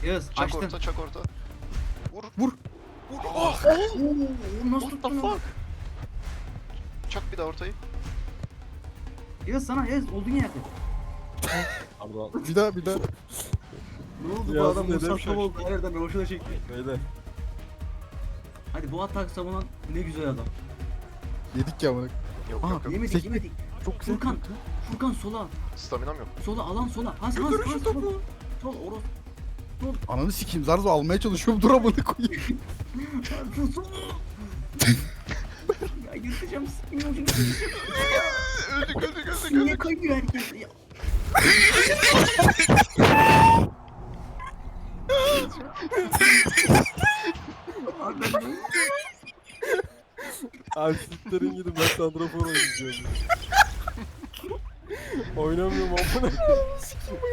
Yağız Çak açtın. orta, çak orta. Vur. Vur. Oh! Oo, nasıl What the tuttun onu? fuck? Çak bir daha ortayı. Yağız sana Yağız olduğun yerde. Pardon. Bir daha. Ne oldu bu Yağız'ın adam dedem Mustafa şaştı. oldu nereden hoşuna çekti. Beyler. Hadi bu atak savunan ne güzel adam. Yedik ya bunu. Yok Aha, yok yok. Yemedik yemedik. Çok güzel. Furkan. Furkan sola. Staminam yok. Sola alan sola. Has Götürün şu topu. Sol oros. Ananı sikeyim. Zarzo almaya çalışıyorum. Dur amına koyayım. Sol. Ya yırtacağım sikimi ucunu. Öldük. Niye kayıyor herkes ya? Abi ben Abi siktirin gidin, ben santrafor oynayacağım. Oynamıyorum amına.